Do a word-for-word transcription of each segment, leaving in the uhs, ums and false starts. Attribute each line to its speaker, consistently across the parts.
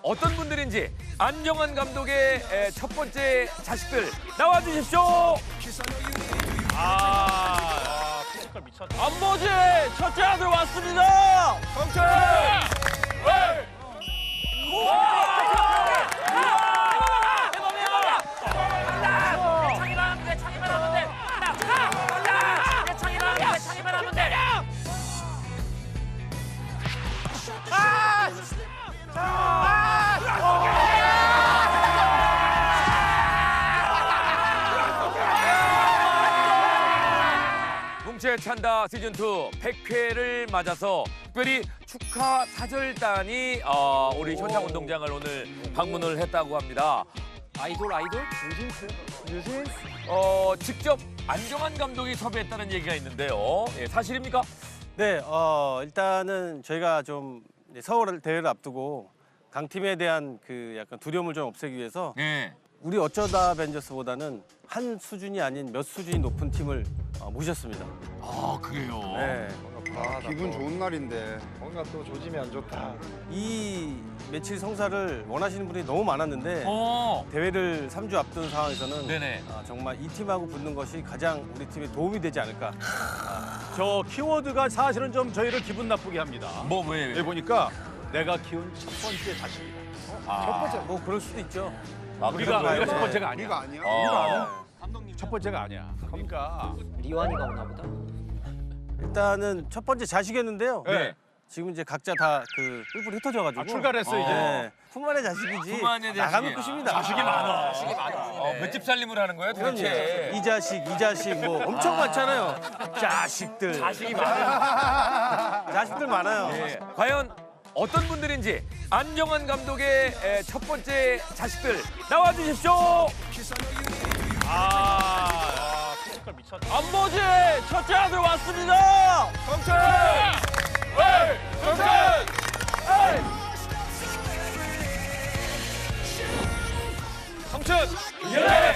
Speaker 1: 어떤 분들인지 안정환 감독의 에, 첫 번째 자식들 나와주십시오.
Speaker 2: 아, 피지컬 미쳤다. 안보지 첫째 아들 왔습니다. 성철.
Speaker 3: 창이만 하면 돼, 창이만 하면 돼. 나, 가! 내 창이만 하면 돼, 창이만 하면 돼. 아!
Speaker 1: 뭉치의 찬다 시즌 투 백 회를 맞아서 특별히 축하 사절단이 어, 우리 현장 운동장을 오늘 방문을 했다고 합니다.
Speaker 3: 아이돌, 아이돌?
Speaker 1: 어, 직접 안정환 감독이 섭외했다는 얘기가 있는데요. 예, 사실입니까?
Speaker 4: 네, 어, 일단은 저희가 좀 이제 서울 대회를 앞두고 강팀에 대한 그 약간 두려움을 좀 없애기 위해서
Speaker 1: 네.
Speaker 4: 우리 어쩌다 벤져스보다는 한 수준이 아닌 몇 수준이 높은 팀을 어, 모셨습니다.
Speaker 1: 아, 그래요?
Speaker 4: 네.
Speaker 5: 아, 기분 좋은 날인데 뭔가 또 조짐이 안 좋다.
Speaker 4: 이 며칠 성사를 원하시는 분이 너무 많았는데
Speaker 1: 어.
Speaker 4: 대회를 삼 주 앞둔 상황에서는
Speaker 1: 네네.
Speaker 4: 아, 정말 이 팀하고 붙는 것이 가장 우리 팀에 도움이 되지 않을까.
Speaker 2: 저 키워드가 사실은 좀 저희를 기분 나쁘게 합니다.
Speaker 1: 뭐, 왜?
Speaker 2: 여기 보니까 내가 키운 첫 번째 자식이다.
Speaker 4: 첫 번째 뭐 그럴 수도 있죠.
Speaker 1: 아,
Speaker 2: 우리가
Speaker 1: 그런
Speaker 2: 우리가 첫
Speaker 1: 거예요?
Speaker 2: 번째가 아니야.
Speaker 5: 우리가 아니야?
Speaker 1: 어.
Speaker 2: 첫 번째가 아니야. 그러니까
Speaker 3: 리완이가 오나 보다.
Speaker 4: 일단은 첫 번째 자식이었는데요.
Speaker 1: 네.
Speaker 4: 지금 이제 각자 다 그 뿔뿔이 흩어져가지고
Speaker 2: 아, 출가를 했어 이제.
Speaker 4: 네. 품안의 자식이지.
Speaker 1: 품안의 자식이.
Speaker 4: 나가면 끝입니다.
Speaker 2: 자식이 많아.
Speaker 3: 자식이 많아.
Speaker 1: 어, 몇 집 살림을 하는 거예요, 도대체?
Speaker 4: 이 자식, 이 자식 뭐 엄청 많잖아요. 자식들.
Speaker 1: 자식이 많아요.
Speaker 4: 자식들 많아요.
Speaker 1: 예. 과연 어떤 분들인지 안정환 감독의 에, 첫 번째 자식들 나와주십시오.
Speaker 2: 아, 피지컬 미쳤다. 안보지 첫째 아들 왔습니다. 성철. 성철. 성춘. 예.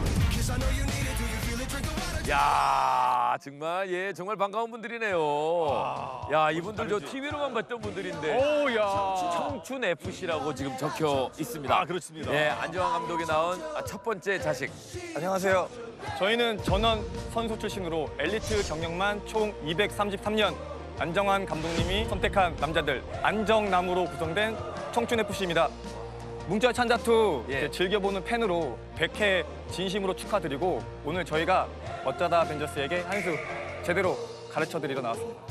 Speaker 1: 야, 정말 예, 정말 반가운 분들이네요. 야, 이분들 저 티비로만 봤던 분들인데
Speaker 2: 오야.
Speaker 1: 청춘 에프씨라고 지금 적혀 있습니다.
Speaker 2: 아, 그렇습니다.
Speaker 1: 예, 안정환 감독이 낳은 첫 번째 자식.
Speaker 6: 안녕하세요. 저희는 전원 선수 출신으로 엘리트 경력만 총 이백삼십삼 년 안정환 감독님이 선택한 남자들 안정남으로 구성된 청춘에프씨입니다. 뭉쳐 찬자투
Speaker 1: 예.
Speaker 6: 즐겨보는 팬으로 백 회 진심으로 축하드리고 오늘 저희가 어쩌다 벤져스에게 한 수 제대로 가르쳐드리러 나왔습니다.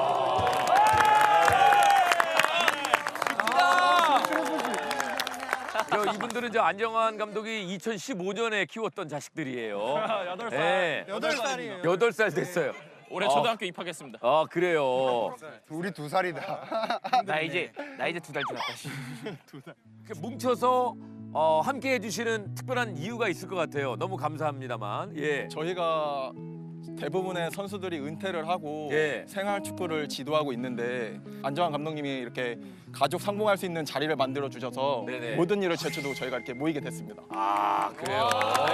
Speaker 1: 저 이분들은 저 안정환 감독이 이천십오 년에 키웠던 자식들이에요.
Speaker 2: 여덟 살.
Speaker 1: 예.
Speaker 6: 여덟 살이에요.
Speaker 1: 여덟 살 됐어요.
Speaker 2: 올해 초등학교 입학했습니다.
Speaker 1: 아, 그래요.
Speaker 5: 우리 두 살이다.
Speaker 3: 나 이제, 나 이제 두 달 지났다.
Speaker 1: 이렇게 뭉쳐서 어, 함께 해주시는 특별한 이유가 있을 것 같아요. 너무 감사합니다만. 예.
Speaker 6: 저희가 대부분의 선수들이 은퇴를 하고
Speaker 1: 예.
Speaker 6: 생활 축구를 지도하고 있는데 안정환 감독님이 이렇게 가족 상봉할 수 있는 자리를 만들어 주셔서
Speaker 1: 네네.
Speaker 6: 모든 일을 제쳐두고 저희가 이렇게 모이게 됐습니다.
Speaker 1: 아, 그래요.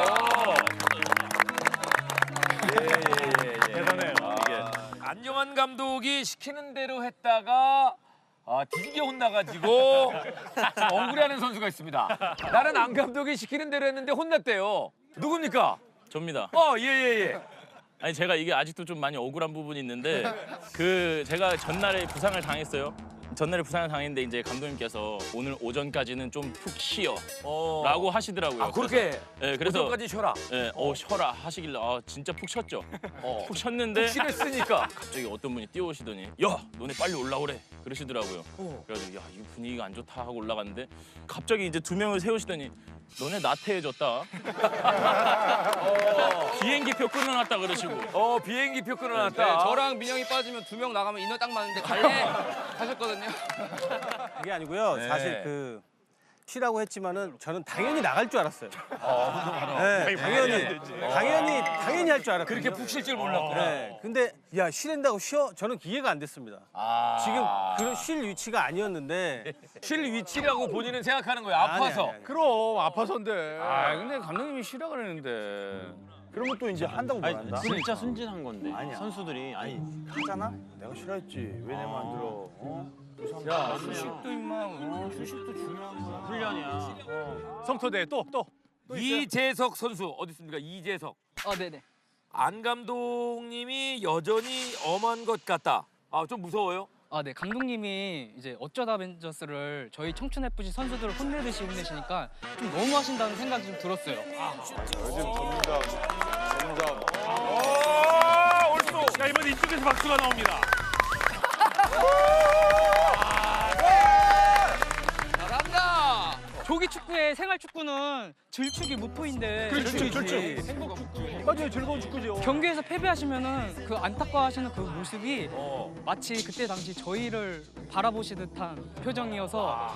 Speaker 1: 예, 예, 예, 예.
Speaker 2: 대단해요, 이게.
Speaker 1: 안정환 감독이 시키는 대로 했다가 아, 뒤지게 혼나가지고 좀 억울해하는 선수가 있습니다. 나는 안 감독이 시키는 대로 했는데 혼났대요. 누굽니까?
Speaker 7: 접니다.
Speaker 1: 어, 예, 예, 예.
Speaker 7: 아니 제가 이게 아직도 좀 많이 억울한 부분이 있는데 그 제가 전날에 부상을 당했어요. 전날에 부상을 당했는데 이제 감독님께서 오늘 오전까지는 좀 푹 쉬어
Speaker 1: 어.
Speaker 7: 라고 하시더라고요.
Speaker 1: 아, 그렇게
Speaker 7: 네, 그래서
Speaker 1: 오전까지 쉬어라.
Speaker 7: 예, 어 쉬어라 하시길래 아 진짜 푹 쉬었죠.
Speaker 1: 어.
Speaker 7: 푹 쉬었는데
Speaker 1: 쉬랬으니까.
Speaker 7: 갑자기 어떤 분이 뛰어오시더니 야 너네 빨리 올라오래 그러시더라고요.
Speaker 1: 어.
Speaker 7: 그래가지고 야 이 분위기가 안 좋다 하고 올라갔는데 갑자기 이제 두 명을 세우시더니 너네 나태해졌다. 어. 비행기표 끊어놨다 그러시고.
Speaker 1: 어, 비행기표 끊어놨다.
Speaker 3: 네, 저랑 민영이 빠지면 두 명 나가면 인원 딱 맞는데 갈래? 하셨거든요.
Speaker 4: 그게 아니고요.
Speaker 1: 네.
Speaker 4: 사실 그 쉬라고 했지만은 저는 당연히 나갈 줄 알았어요. 네, 당연히 당연히 당연히 할 줄 알았어요.
Speaker 1: 그렇게 푹 쉴 줄 몰랐구나.
Speaker 4: 네, 근데 야 쉬낸다고 쉬어? 저는 이해가 안 됐습니다.
Speaker 1: 아.
Speaker 4: 지금 그런 쉴 위치가 아니었는데
Speaker 1: 쉴 위치라고 본인은 생각하는 거예요.
Speaker 4: 아니,
Speaker 1: 아파서.
Speaker 4: 아니, 아니.
Speaker 2: 그럼 아파서인데.
Speaker 7: 아 근데 감독님이 쉬라 그랬는데.
Speaker 8: 그러면 또 이제 한다고 뭐 한다?
Speaker 7: 진짜 순진한 건데.
Speaker 8: 아니야.
Speaker 7: 선수들이
Speaker 8: 아니 하잖아? 내가 싫어했지. 왜 내 맘 안 들어? 어?
Speaker 2: 야, 휴식도 임마. 휴식도 중요한 거야. 훈련이야.
Speaker 8: 성토대 또 또.
Speaker 1: 이재석 선수 어디 있습니까? 이재석.
Speaker 9: 아, 네네.
Speaker 1: 안 감독님이 여전히 엄한 것 같다. 아, 좀 무서워요?
Speaker 9: 아, 네. 감독님이 이제 어쩌다 벤져스를 저희 청춘 에프씨 선수들을 혼내듯이 혼내시니까 좀 너무 하신다는 생각이 좀 들었어요.
Speaker 2: 야, 이번에 이쪽에서 박수가 나옵니다.
Speaker 9: 잘한다. 조기 축구의 생활 축구는 질축이 모토인데
Speaker 8: 그렇지, 그렇지. 맞아요, 즐거운 축구죠.
Speaker 9: 경기에서 패배하시면은 그 안타까워하시는 그 모습이
Speaker 1: 어.
Speaker 9: 마치 그때 당시 저희를 바라보시듯한 표정이어서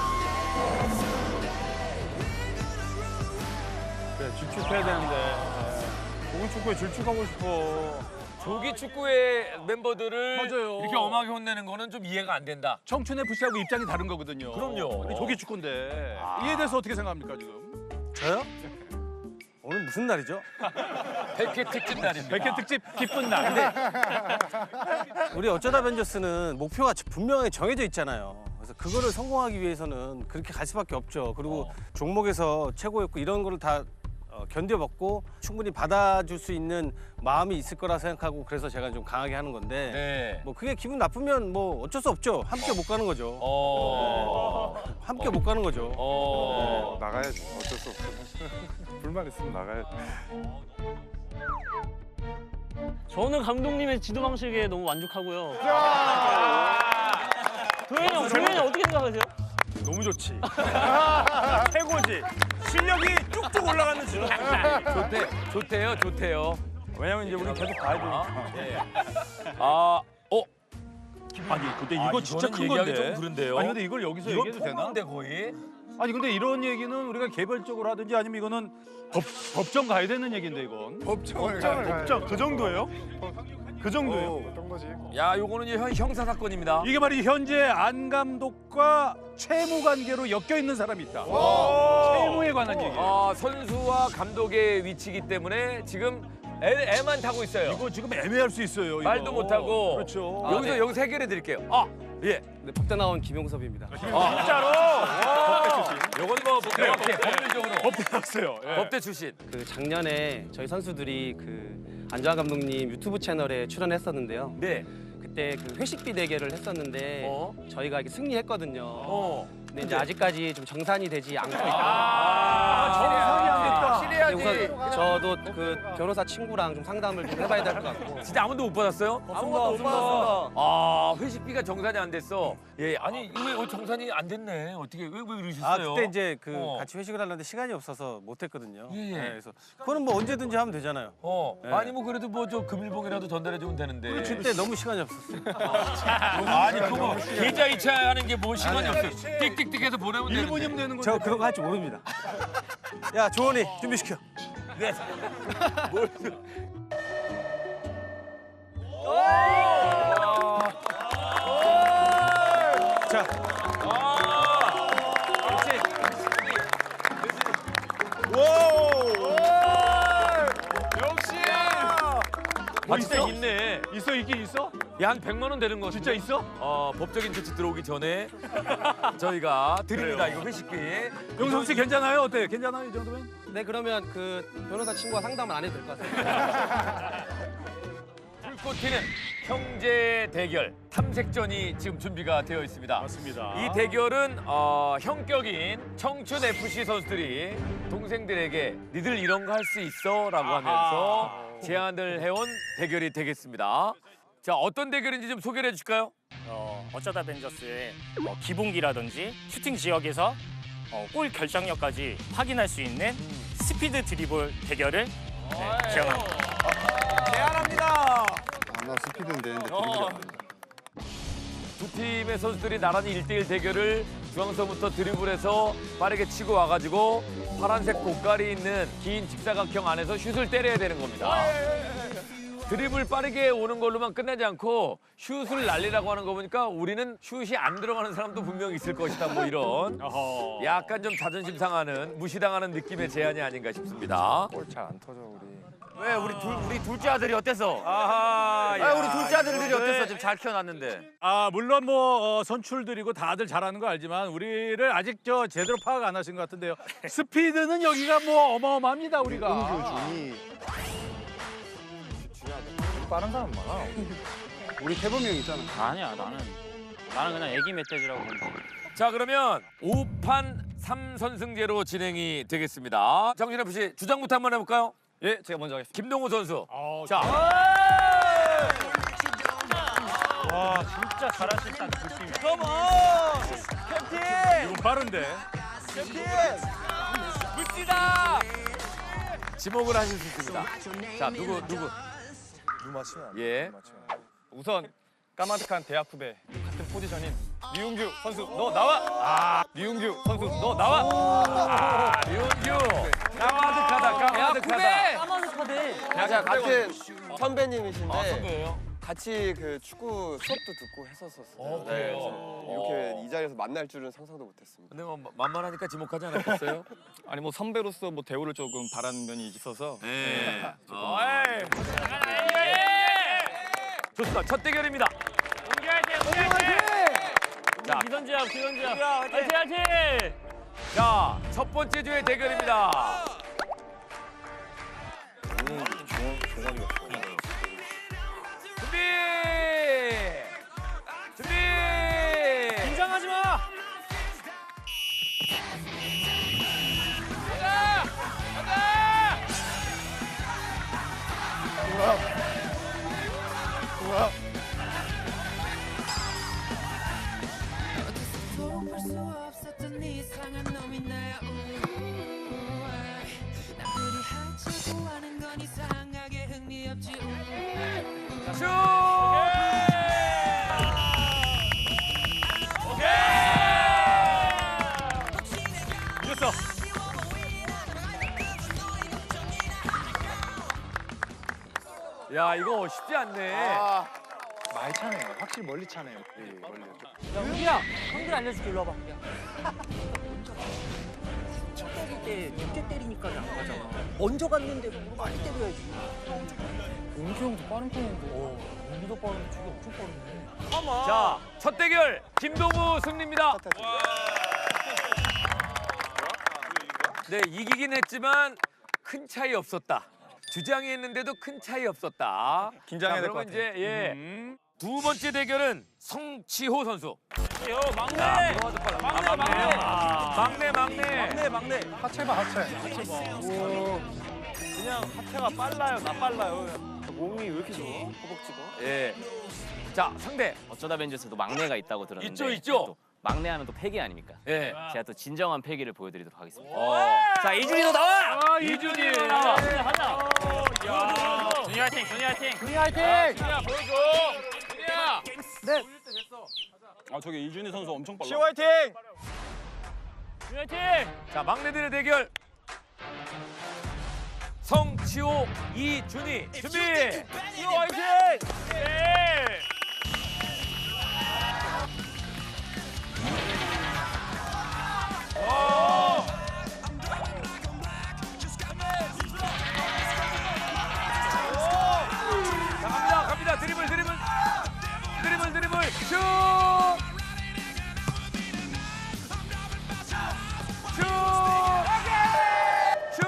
Speaker 8: 그래, 질축해야 되는데. 좋은 축구에 질축하고 싶어.
Speaker 1: 조기 축구의 멤버들을
Speaker 8: 맞아요.
Speaker 1: 이렇게 엄하게 혼내는 거는 좀 이해가 안 된다.
Speaker 8: 청춘 에프씨하고 입장이 다른 거거든요.
Speaker 1: 그럼요.
Speaker 8: 근데 조기 축구인데. 이에 대해서 어떻게 생각합니까, 지금?
Speaker 4: 저요? 오늘 무슨 날이죠?
Speaker 1: 백 회 특집 날입니다.
Speaker 8: 백 회 특집 기쁜 날.
Speaker 4: 우리 어쩌다 벤져스는 목표가 분명하게 정해져 있잖아요. 그래서 그거를 성공하기 위해서는 그렇게 갈 수밖에 없죠. 그리고
Speaker 1: 어.
Speaker 4: 종목에서 최고였고 이런 거를 다 어, 견뎌먹고 충분히 받아줄 수 있는 마음이 있을 거라 생각하고 그래서 제가 좀 강하게 하는 건데
Speaker 1: 네.
Speaker 4: 뭐 그게 기분 나쁘면 뭐 어쩔 수 없죠. 함께 못 가는 거죠.
Speaker 1: 어.
Speaker 4: 함께 못 가는 거죠.
Speaker 1: 어.
Speaker 5: 나가야지. 어쩔 수 없어. 불만 있으면 나가야지.
Speaker 2: 저는 감독님의 지도 방식에 너무 만족하고요. 도현이 형, 도현이 형 어떻게 생각하세요?
Speaker 8: 너무 좋지. 최고지. 실력이 쭉쭉 올라가는 지금.
Speaker 1: 좋대, 좋대요, 좋대요.
Speaker 8: 왜냐면 이제 우리 계속 가야 되니까.
Speaker 1: 예. 아, 어?
Speaker 8: 아니 근데 이거
Speaker 1: 아,
Speaker 8: 진짜
Speaker 1: 이거는
Speaker 8: 큰
Speaker 1: 얘기하기
Speaker 8: 건데.
Speaker 1: 좀 그런데요?
Speaker 8: 아니 근데 이걸 여기서
Speaker 1: 이건
Speaker 8: 얘기해도 되나?
Speaker 1: 폭로인데 거의?
Speaker 8: 아니 근데 이런 얘기는 우리가 개별적으로 하든지 아니면 이거는 법, 법정 가야 되는 얘기인데 이건.
Speaker 5: 법정을 가야
Speaker 8: 법정 그 정도예요? 그 정도예요?
Speaker 5: 어, 어떤 거지?
Speaker 1: 야, 요거는 형, 형사 사건입니다.
Speaker 8: 이게 말이 현재 안 감독과 채무 관계로 엮여 있는 사람이 있다. 채무에 관한 얘기예요.
Speaker 1: 아, 선수와 감독의 위치이기 때문에 지금 애, 애만 타고 있어요.
Speaker 8: 이거 지금 애매할 수 있어요. 이거.
Speaker 1: 말도 못하고.
Speaker 8: 그렇죠.
Speaker 1: 아, 여기서 여기서 해결해 드릴게요. 아, 예.
Speaker 9: 네, 법대 나온 김용섭입니다.
Speaker 8: 진짜로.
Speaker 1: 요건 뭐 명확해, 법률적으로.
Speaker 8: 법대 나왔어요. 예.
Speaker 1: 법대 출신.
Speaker 10: 그 작년에 저희 선수들이 그 안정환 감독님 유튜브 채널에 출연했었는데요.
Speaker 1: 네.
Speaker 10: 그때 그 회식비 대결을 했었는데
Speaker 1: 어?
Speaker 10: 저희가 이렇게 승리했거든요.
Speaker 1: 어.
Speaker 10: 근데 이제 아직까지 좀 정산이 되지 않고 있다.
Speaker 1: 아,
Speaker 8: 정상이 안 됐다.
Speaker 1: 실해야지.
Speaker 10: 근데 우선 저도 그 변호사 친구랑 좀 상담을 좀 해봐야 될 것 같고.
Speaker 1: 진짜 아무도 못 받았어요?
Speaker 10: 아무것도 못 받았습니다.
Speaker 1: 아, 회식비가 정산이 안 됐어. 예, 아니 왜 정산이 안 됐네? 어떻게 왜, 왜
Speaker 4: 아
Speaker 1: 그러셨어요?
Speaker 4: 그때 이제 그
Speaker 1: 어.
Speaker 4: 같이 회식을 하려는데 시간이 없어서 못했거든요.
Speaker 1: 예, 예.
Speaker 4: 네, 그래서 그거는 뭐 언제든지 하면 되잖아요.
Speaker 1: 어,
Speaker 4: 네.
Speaker 1: 아니 뭐 그래도 뭐 저 금일봉이라도 전달해 주면 되는데.
Speaker 4: 그때 너무 시간이 없었어요.
Speaker 1: 아니 그거 계좌 이체하는 게 뭐 시간이 없어요. 띡띡띡해서 보내면 되는데.
Speaker 8: 일본이면 되는
Speaker 4: 저
Speaker 8: 건데.
Speaker 4: 그런 거 할 줄 모릅니다. 야 조원이 준비시켜.
Speaker 1: 네. 뭘?
Speaker 4: 자,
Speaker 1: 그렇지. 역시. 아 진짜
Speaker 8: 있어?
Speaker 1: 있네.
Speaker 8: 있어 있긴 있어?
Speaker 1: 야, 한 백만 원 되는 거
Speaker 8: 진짜 있어?
Speaker 1: 어, 법적인 조치 들어오기 전에 저희가 드립니다. 이거 회식비.
Speaker 8: 용성 씨 괜찮아요? 어때? 괜찮아요 이 정도면?
Speaker 10: 네 그러면 그 변호사 친구와 상담을 안 해도 될 것 같습니다.
Speaker 1: 불꽃 튀는 형제 대결 탐색전이 지금 준비가 되어 있습니다.
Speaker 8: 맞습니다.
Speaker 1: 이 대결은 어, 형격인 청춘 에프씨 선수들이 동생들에게 니들 이런 거 할 수 있어? 라고 하면서 제안을 해온 대결이 되겠습니다. 자, 어떤 대결인지 좀 소개를 해줄까요?
Speaker 2: 어, 어쩌다 벤져스의 어, 기본기라든지 슈팅 지역에서 어, 골 결정력까지 확인할 수 있는 스피드 드리블 대결을 네, 제안합니다.
Speaker 5: 아, 나 스피드는 되는데 드리블이 안 된다.
Speaker 1: 두 팀의 선수들이 나란히 일대일 대결을 중앙선부터 드리블해서 빠르게 치고 와가지고 파란색 고깔이 있는 긴 직사각형 안에서 슛을 때려야 되는 겁니다. 드리블 빠르게 오는 걸로만 끝나지 않고 슛을 날리라고 하는 거 보니까 우리는 슛이 안 들어가는 사람도 분명히 있을 것이다. 뭐 이런 약간 좀 자존심 상하는 무시당하는 느낌의 제안이 아닌가 싶습니다.
Speaker 5: 골 잘 안 터져 우리.
Speaker 1: 왜 우리 둘 우리 둘째 아들이 어땠어?
Speaker 8: 아하.
Speaker 1: 아, 우리 둘째 아들들이
Speaker 8: 이거는-
Speaker 1: 어땠어? 지금 잘 키워놨는데.
Speaker 8: 아 물론 뭐 어, 선출들이고 다들 잘하는 거 알지만 우리를 아직 저 제대로 파악 안 하신 것 같은데요. 스피드는 여기가 뭐 어마어마합니다 우리가.
Speaker 5: 응교준이
Speaker 6: 빠른 사람 많아.
Speaker 5: 우리 태범이 형 있잖아.
Speaker 2: 아니야 나는 나는 그냥 애기 멧돼지라고 보는데.
Speaker 1: 자 그러면 오 판 삼 선승제로 진행이 되겠습니다. 정신F 씨 주장부터 한번 해볼까요?
Speaker 6: 예, 제가 먼저 하겠습니다.
Speaker 1: 김동호 선수.
Speaker 8: 어,
Speaker 1: 자.
Speaker 2: 와 진짜 잘하신다 느낌.
Speaker 8: 이건 빠른데.
Speaker 1: 물지다. 지목을 하실 수 있습니다. 자 누구 누구?
Speaker 6: 누 맞추면 안 돼.
Speaker 1: 예.
Speaker 6: 누 맞추면 안 돼. 우선 까마득한 대학 후배 같은 포지션인 류웅규 선수 너 나와. 아, 류웅규 선수 너 나와.
Speaker 1: 아, 윤규. 까마득하다 까마득하다.
Speaker 10: 제가 같은 선배님이신데
Speaker 1: 아 선배예요?
Speaker 10: 같이 그 축구 수업도 듣고 했었었어요.
Speaker 1: 어,
Speaker 10: 네,
Speaker 1: 그래요?
Speaker 10: 그래서 이렇게 이 자리에서 만날 줄은 상상도 못했습니다.
Speaker 1: 근데 뭐 만만하니까 지목하지 않았겠어요?
Speaker 6: 아니 뭐 선배로서 뭐 대우를 조금 바라는 면이 있어서.
Speaker 1: 네. 좋습니다. 첫 대결입니다. 자,
Speaker 2: 기선제압 기선제압. 화이팅 화이팅.
Speaker 1: 자, 첫 번째 주의 대결입니다. 준비! 준비!
Speaker 2: 긴장하지 마.
Speaker 11: 볼수 없었던 이상한 놈이 나야. 남들이 하자고 하는 건 이상하게 흥미 없지.
Speaker 1: 슛!
Speaker 8: 이겼어.
Speaker 1: 야, 이거 쉽지 않네.
Speaker 5: 많이 차네요. 확실히 멀리 차네요.
Speaker 3: 우기야, 형들 알려줄게. 일로 와봐. 첫 때릴 때 늦게 때리니까 안 가잖아. 먼저 갔는데 뭐 많이 때려야지. 용기 형도 빠른 편인데. 어, 용기도 빠른데 저게 엄청 빠르네.
Speaker 1: 자, 첫 대결 김동우 승리입니다. 네, 이기긴 했지만 큰 차이 없었다. 주장이 했는데도 큰 차이 없었다.
Speaker 6: 긴장해야
Speaker 1: 자,
Speaker 6: 될 것
Speaker 1: 그러면
Speaker 6: 같아요.
Speaker 1: 이제 예.
Speaker 8: 음.
Speaker 1: 두 번째 대결은 성치호 선수.
Speaker 2: 요 막내.
Speaker 1: 자, 들어와서 빨라.
Speaker 2: 막내,
Speaker 1: 아,
Speaker 2: 막내.
Speaker 1: 막내, 막내.
Speaker 2: 막내 막내.
Speaker 5: 하체 봐 하체.
Speaker 2: 그냥 하체가 빨라요. 나 빨라요.
Speaker 10: 몸이 왜 이렇게 좋아? 허벅지가?
Speaker 1: 예. 자, 상대.
Speaker 12: 어쩌다 벤져스도 막내가 있다고 들었는데
Speaker 1: 있죠, 있죠.
Speaker 12: 또 막내하면 또 패기 아닙니까?
Speaker 1: 예.
Speaker 12: 제가 또 진정한 패기를 보여드리도록 하겠습니다.
Speaker 1: 어.
Speaker 12: 자 이준이도 나와!
Speaker 8: 아 이준이.
Speaker 1: 나와.
Speaker 2: 하자. 준이 화이팅. 준이 화이팅.
Speaker 3: 준이 화이팅!
Speaker 1: 준이야, 보여줘. 준이야.
Speaker 3: 네.
Speaker 8: 아 저기 이준이 선수 엄청 빨라.
Speaker 6: 시호 화이팅!
Speaker 2: 준이 화이팅.
Speaker 1: 자, 막내들의 대결. 성치호, 이준희. 준비.
Speaker 2: 준이 화이팅. 예.
Speaker 1: 자, 갑니다, 갑니다. 드리블, 드리블. 드리블, 드리블. 슛! 슛! 슛!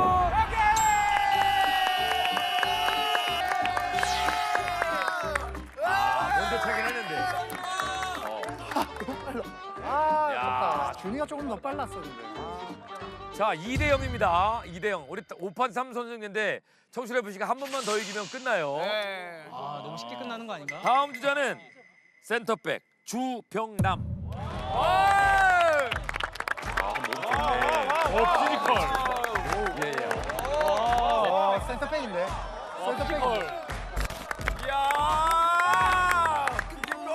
Speaker 1: 아, 먼저 차긴 했는데.
Speaker 5: 아,
Speaker 1: 야.
Speaker 5: 아깝다. 준이가 조금 더 빨랐어 근데.
Speaker 1: 자, 이 대 영입니다. 이 대 영. 우리 오 판 삼 선승인데 청실 에프씨가 한 번만 더 이기면 끝나요.
Speaker 9: 아 너무 쉽게 끝나는 거 아닌가?
Speaker 1: 다음 주자는 센터백 주병남. 아,
Speaker 8: 어 피지컬.
Speaker 1: 예, 예.
Speaker 5: 어, 센터백인데. 센터백.
Speaker 1: 이야! 피지컬!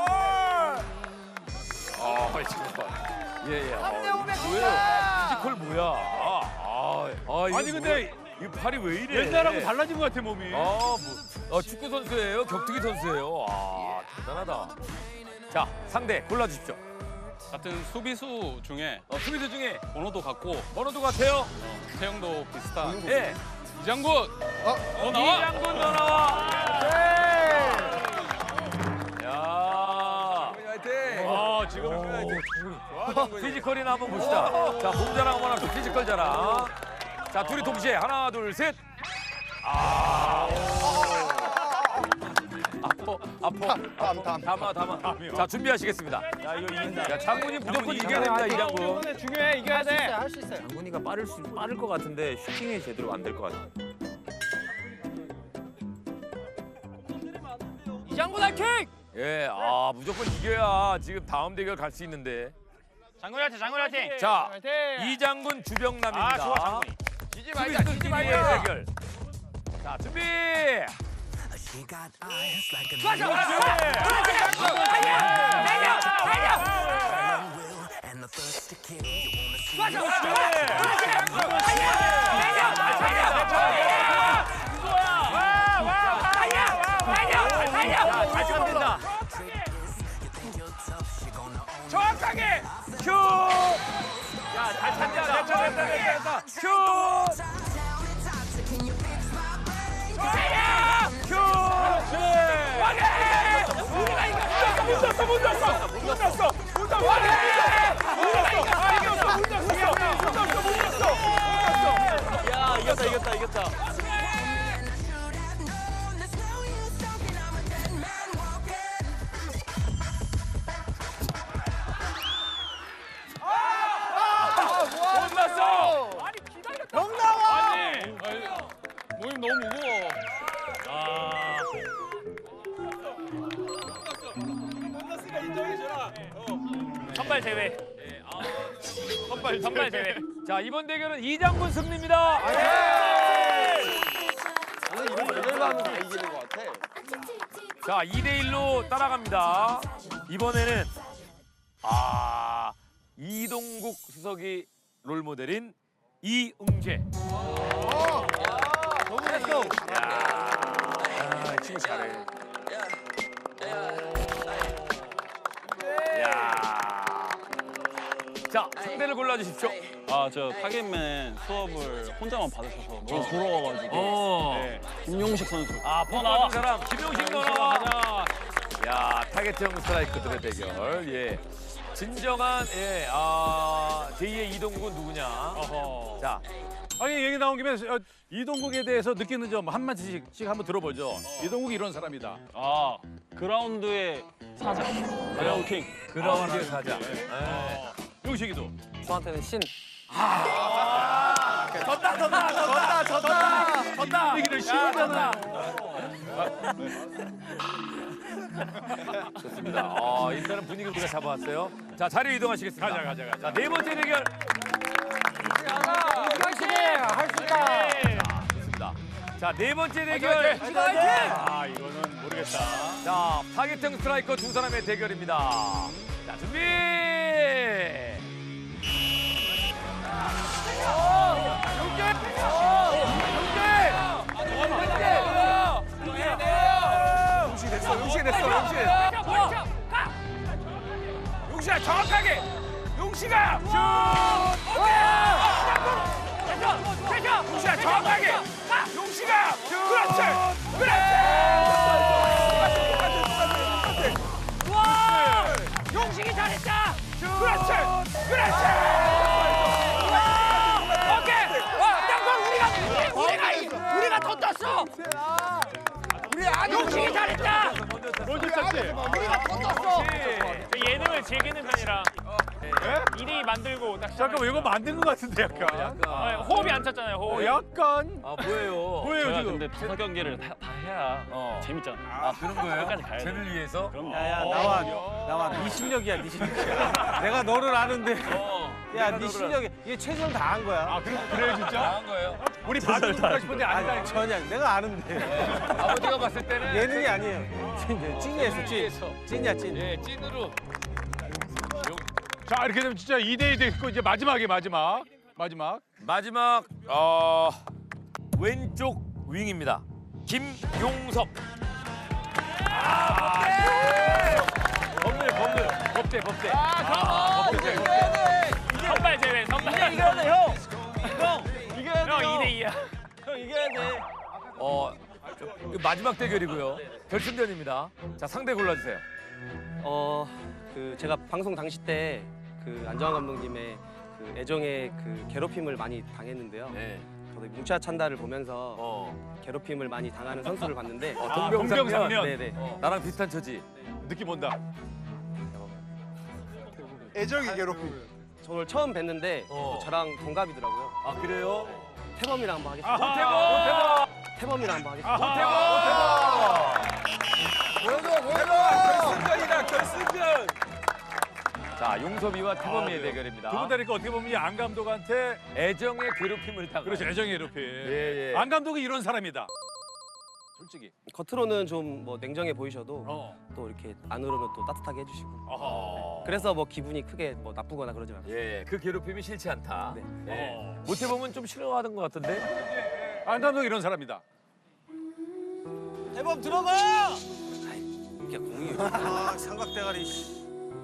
Speaker 1: 아, 피지컬. 예, 예. 아, 뭐예요? 피지컬 뭐야? 아, 아, 아 이거
Speaker 8: 아니 근데
Speaker 1: 뭐야? 이 팔이 왜 이래?
Speaker 8: 옛날하고 달라진 것 같아 몸이.
Speaker 1: 아, 뭐, 어, 축구 선수예요? 격투기 선수예요? 아, 대단하다. 자, 상대 골라주십시오.
Speaker 13: 같은 수비수 중에
Speaker 1: 어, 수비수 중에
Speaker 13: 번호도 같고
Speaker 1: 번호도 같아요?
Speaker 13: 체형도 비슷한
Speaker 1: 예.
Speaker 13: 이장군.
Speaker 1: 어, 나와. 이장군 너 나와. 야.
Speaker 8: 화이팅.
Speaker 1: 아, 지금 피지컬이나 한번 봅시다. 자, 몸 자랑 한번 합시다. 피지컬 자랑. 자, 둘이 동시에 하나, 둘, 셋. 아. 아퍼, 아퍼,
Speaker 5: 담, 담.
Speaker 1: 담아, 담아. 자, 준비하시겠습니다. 야, 이거 이긴다. 야, 장군이 무조건 이겨야 됩니다, 이장군.
Speaker 8: 중요해. 이겨야 돼.
Speaker 3: 할 수 있어요.
Speaker 1: 장군이가 빠를 수 빠를 것 같은데 슈팅이 제대로 안 될 것 같아.
Speaker 3: 이장군 화이팅!
Speaker 1: 예, 아 무조건 이겨야 지금 다음 대결 갈 수 있는데.
Speaker 2: 장군한테 장군한테.
Speaker 1: 자, 이장군 주병남입니다.
Speaker 2: 아, 좋아, 장군이.
Speaker 1: 지지 말자, 지지 말자. 대결. 자, 준비.
Speaker 11: 좋아, 좋아.
Speaker 1: 정확하게 슛! 야, 잘 찬다. 됐다, 됐다, 됐다. 슛! 슛! 우리가 이겼어! 못 났어, 못 났어! 못 났어! 못 났어! 우리가 이겼어! 아, 이겼어! 못 났어! 못 났어! 못 났어!
Speaker 12: 야, 이겼다, 이겼다, 이겼다.
Speaker 1: 못 났어!
Speaker 8: 형 나와.
Speaker 13: 아니, 아니, 모임 너무 무거워.
Speaker 2: 아. 선발 제외. 선발 선발 제외.
Speaker 1: 자, 이번 대결은 이장군 승리입니다.
Speaker 5: 오늘 이런 레벨로 하면 다 이기는 것 같아.
Speaker 1: 자, 이 대 일로 따라갑니다. 이번에는 아, 이동국 수석이 롤모델인 이응재.
Speaker 5: 너무 잘했어.
Speaker 1: 아, 이 친구 잘해. 야. 자, 상대를 골라주십시오.
Speaker 7: 아, 저 타겟맨 수업을 혼자만 받으셔서 너무 부러워가지고.
Speaker 1: 어.
Speaker 7: 네, 김용식 선수.
Speaker 1: 아, 포나와 사람 김용식 너 나와. 야, 타겟형 스트라이크들의 대결. 예. 진정한 예, 아, 제이의 이동국은 누구냐?
Speaker 8: 어허.
Speaker 1: 자,
Speaker 8: 아니 얘기 나온 김에 어, 이동국에 대해서 느끼는 점 한마디씩 한번 들어보죠. 이동국이 이런 사람이다.
Speaker 7: 아, 그라운드의 사자. 그라운드 킹.
Speaker 1: 그라운드의 사자. 예.
Speaker 8: 용식이도.
Speaker 10: 저한테는 신.
Speaker 1: 졌다, 졌다, 졌다, 졌다, 졌다.
Speaker 8: 얘기를 싫어하잖아.
Speaker 1: 좋습니다. 아, 일단은 분위기를 우리가 잡아왔어요. 자, 자리 이동하시겠습니다.
Speaker 8: 가자, 가자, 가자.
Speaker 1: 자, 네 번째 대결.
Speaker 3: 화이팅! 할 수 있다.
Speaker 1: 좋습니다. 자, 네 번째 대결.
Speaker 3: 화이팅!
Speaker 8: 아 이거는 모르겠다.
Speaker 1: 자, 타겟형 스트라이커 두 사람의 대결입니다. 자, 준비.
Speaker 5: 용식이 됐어, 용식이 됐어, 용식.
Speaker 1: 용식아, 정확하게. 용식아. 슛. 용식아, 정확하게. 용식아. 그렇지. 그렇지. 와. 용식이 잘했다. 그렇지. 그렇지. 오케이. 와, 땅콩 우리가 우리가 우리가 우리가 더 떴어. 우리 안 용식이 잘했다.
Speaker 8: 롤드 쳤지.
Speaker 5: 우리가 더 떴어.
Speaker 2: 예능을 즐기는 편이라 이 대 이 만들고 딱
Speaker 8: 잠깐만 이거 만든 것 같은데 약간.
Speaker 2: 아, 호흡이 안 찼잖아요.
Speaker 8: 어,
Speaker 2: 호흡.
Speaker 8: 약간.
Speaker 1: 아, 뭐예요?
Speaker 8: 뭐예요
Speaker 7: 제가
Speaker 8: 지금?
Speaker 7: 근데 다섯 경기를 다, 다 해야
Speaker 1: 어.
Speaker 7: 재밌잖아.
Speaker 1: 아, 그런 거예요?
Speaker 7: 끝까지 가야 돼.
Speaker 1: 쟤를 위해서?
Speaker 7: 그럼요.
Speaker 4: 야야 나와 나와 네 실력이야 네 실력이야. 내가 너를 아는데.
Speaker 1: 어.
Speaker 4: 야
Speaker 1: 내가
Speaker 4: 네
Speaker 1: 너를
Speaker 4: 실력이 얘 최선 다한 거야.
Speaker 8: 아 그래 그래 진짜?
Speaker 1: 잘한 거예요?
Speaker 8: 우리 봐줄까 싶은데
Speaker 4: 아니
Speaker 8: 아니다.
Speaker 4: 전혀 내가 아는데.
Speaker 1: 아버지가 봤을 때는
Speaker 4: 예능이 아니에요. 찐 찐이었어 찐. 찐이야 찐.
Speaker 1: 예, 찐으로.
Speaker 8: 자 이렇게 되면 진짜 이 대 이 됐고 이제 마지막에 마지막 마지막.
Speaker 1: 마지막 어, 왼쪽 윙입니다. 김용섭. 아, 법대! 법대, 법대, 법대. 아, 법대, 법대.
Speaker 2: 선발 제외. 선발.
Speaker 1: 이겨야 돼, 형. 형, 이겨야
Speaker 2: 형 이 대 이야.
Speaker 3: 이겨야 돼.
Speaker 1: 어, 좀 마지막 대결이고요. 결승전입니다. 자, 상대 골라주세요.
Speaker 10: 어, 그 제가 방송 당시 때 그 안정환 감독님의 그 애정의 그 괴롭힘을 많이 당했는데요.
Speaker 1: 네.
Speaker 10: 저도 뭉차 찬다를 보면서 괴롭힘을 많이 당하는 선수를 봤는데
Speaker 1: 어, 동병상련.
Speaker 10: 네네.
Speaker 1: 어, 나랑 비슷한 처지.
Speaker 8: 느낌 온다.
Speaker 5: 애정의 괴롭힘.
Speaker 10: 저를 처음 뵀는데
Speaker 1: 어.
Speaker 10: 저랑 동갑이더라고요.
Speaker 1: 아, 그래요?
Speaker 10: 태범이랑 한번 하겠습니다.
Speaker 1: 모태범!
Speaker 10: 태범이랑 한번 하겠습니다.
Speaker 1: 모태범! 보여줘, 보여줘! 결승전이다, 결승전! 자, 용섭이와 태범이의
Speaker 8: 아,
Speaker 1: 대결입니다.
Speaker 8: 두분 다니까 어떻게 보면 이 안 감독한테
Speaker 1: 애정의 괴롭힘을 당한.
Speaker 8: 그렇죠. 애정의 괴롭힘.
Speaker 1: 예, 예.
Speaker 8: 안 감독이 이런 사람이다.
Speaker 1: 솔직히.
Speaker 10: 겉으로는 좀 뭐 냉정해 보이셔도
Speaker 8: 어.
Speaker 10: 또 이렇게 안으로는 또 따뜻하게 해주시고.
Speaker 1: 어허.
Speaker 10: 그래서 뭐 기분이 크게 뭐 나쁘거나 그러지 않아요.
Speaker 1: 예, 그 괴롭힘이 싫지 않다.
Speaker 10: 네.
Speaker 1: 예. 모태범은 좀 싫어하던 것 같던데?
Speaker 8: 안 감독 이런 사람이다.
Speaker 3: 대범 들어가.
Speaker 10: 이게 공이에요.
Speaker 4: 아, 삼각대가리. 씨.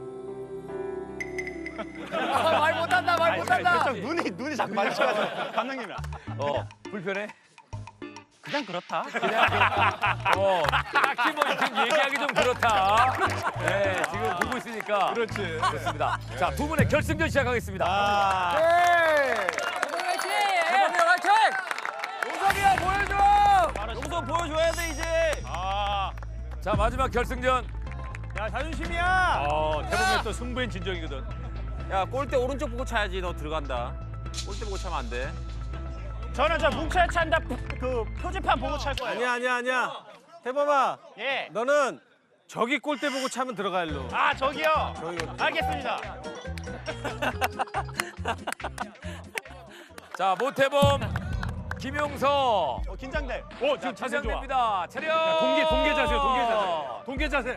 Speaker 1: 아, 말 못한다, 말 못한다!
Speaker 6: 눈이 눈이 자꾸 마주쳐가지고 감독님이랑.
Speaker 1: 어, 불편해?
Speaker 2: 그냥 그렇다.
Speaker 1: 그냥 그, 어, 딱히 뭐 지금 얘기하기 좀 그렇다. 네, 지금 보고 있으니까.
Speaker 8: 그렇지.
Speaker 1: 좋습니다. 자, 두 분의 결승전 시작하겠습니다.
Speaker 8: 아.
Speaker 1: 네.
Speaker 3: 대범이야 화이팅.
Speaker 1: 용섭이야, 보여줘!
Speaker 3: 용선 보여줘야 돼 이제.
Speaker 8: 아.
Speaker 1: 자, 마지막 결승전.
Speaker 3: 야 자존심이야.
Speaker 8: 어, 태범의 또 승부엔 진정이거든.
Speaker 3: 야 골대 오른쪽 보고 차야지. 너 들어간다. 골대 보고 차면 안 돼.
Speaker 2: 저는 저 뭉쳐야 찬다 그 표지판 보고 찰 거예요.
Speaker 4: 아니야, 아니야, 아니야. 태범아,
Speaker 2: 예.
Speaker 4: 너는 저기 골대 보고 차면 들어가 일로.
Speaker 2: 아 저기요.
Speaker 4: 저기
Speaker 2: 알겠습니다.
Speaker 1: 자, 모태범, 김용서.
Speaker 6: 어, 긴장돼.
Speaker 8: 오, 지금 자세 좋아.
Speaker 1: 긴장됩니다. 차렷!
Speaker 8: 야, 동계 동계 자세, 동계 자세. 동계 자세.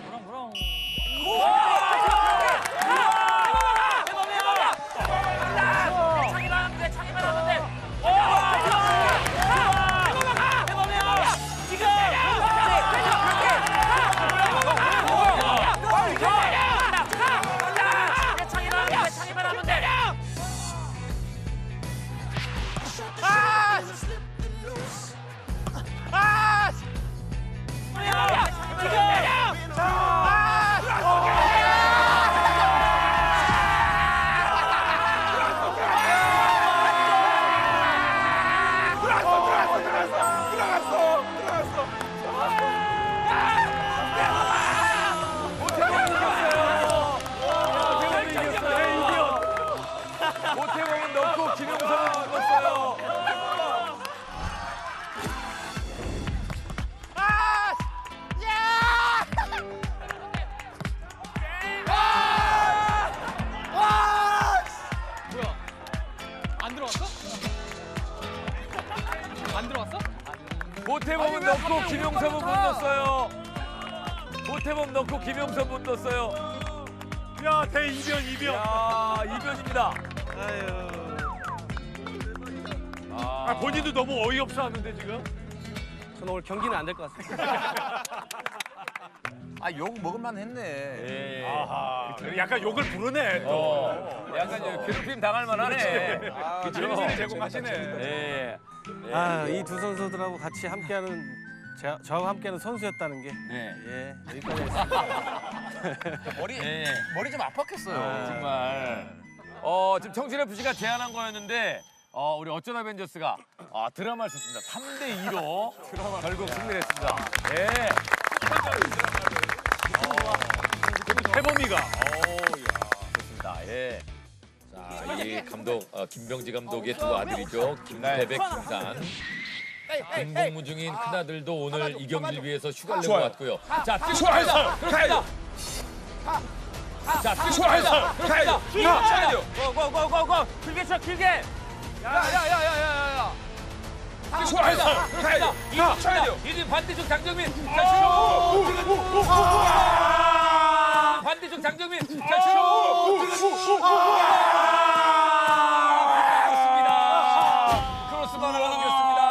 Speaker 1: 모태범은 넣고 김용서는 못 넣었어요.
Speaker 9: 뭐야? 안 들어왔어? 안 들어왔어?
Speaker 1: 모태범은 넣고 김용섭은 못 넣었어요. 모태범 넣고 김용섭 못 넣었어요.
Speaker 8: 야, 대이변 이변.
Speaker 1: 야, 이변입니다.
Speaker 8: 아, 본인도 너무 어이없어 하는데 지금.
Speaker 10: 저는 오늘 경기는 안 될 것 같습니다.
Speaker 3: 아 욕 먹을만 했네.
Speaker 1: 예.
Speaker 8: 아하. 약간 욕을 부르네. 또.
Speaker 1: 어, 약간 저 괴롭힘 당할 만하네.
Speaker 8: 아,
Speaker 1: 그죠?
Speaker 8: 재미를 제공하시네.
Speaker 1: 예.
Speaker 4: 아, 이 두 선수들하고 같이 함께하는 제, 저하고 함께하는 선수였다는 게
Speaker 1: 네.
Speaker 4: 예, 여기까지 했습니다.
Speaker 3: 머리
Speaker 1: 예.
Speaker 3: 머리 좀 아팠겠어요.
Speaker 1: 아, 정말. 어, 지금 청춘에프씨가 제안한 거였는데 어, 우리 어쩌다 벤져스가 아, 드라마를 썼습니다. 삼 대 이로 결국 승리를 했습니다. 예.
Speaker 8: 태범이가.
Speaker 1: 좋습니다. 예. 자, 이 감독 어, 김병지 감독의 두 아들이죠. 김태백, 김산. 공복무 중인 큰아들도 오늘 이 경기를 위해서 휴가를 내고 왔고요. 자, 뛰고 갑니다. 그렇습니다. 자, 뛰고 갑니다. 그렇습니다.
Speaker 3: 차야 돼요. 고고고고고 길게 쳐 길게. 야야야야야야.
Speaker 1: 뛰고 갑니다. 그렇습니다. 이쪽 쳐야 돼요. 이제 반대쪽 장정민. 자, 슛! 반대쪽 장정민. 자, 슛! 크로스바로 넘겼습니다.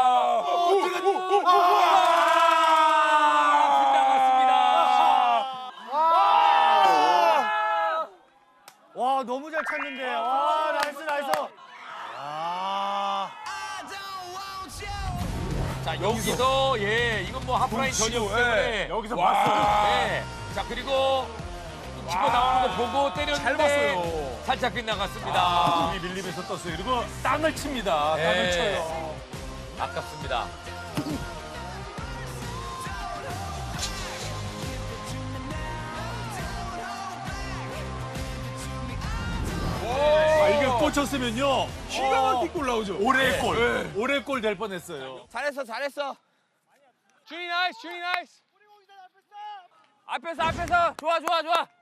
Speaker 3: 와 너무 잘 찼는데. 와 나이스 나이스.
Speaker 4: 아,
Speaker 1: 자 여기서 예 이건 뭐 하프라인 전이었기 때문에
Speaker 8: 여기서
Speaker 1: 와,
Speaker 8: 봤어요.
Speaker 1: 예. 자 그리고 치고 나오는 거 보고 때렸는데
Speaker 8: 잘 봤어요.
Speaker 1: 살짝 빗나갔습니다.
Speaker 8: 아, 공이 밀리면서 떴어요. 그리고 땅을 칩니다. 땅을
Speaker 1: 예.
Speaker 8: 쳐요.
Speaker 1: 아깝습니다.
Speaker 8: 아, 이게 꽂혔으면요. 기가 막힌 골 나오죠. 올해의 골. 올해의 골 될 뻔했어요.
Speaker 1: 잘했어 잘했어. 준이 나이스 준이 나이스. 앞에서 앞에서 좋아 좋아 좋아.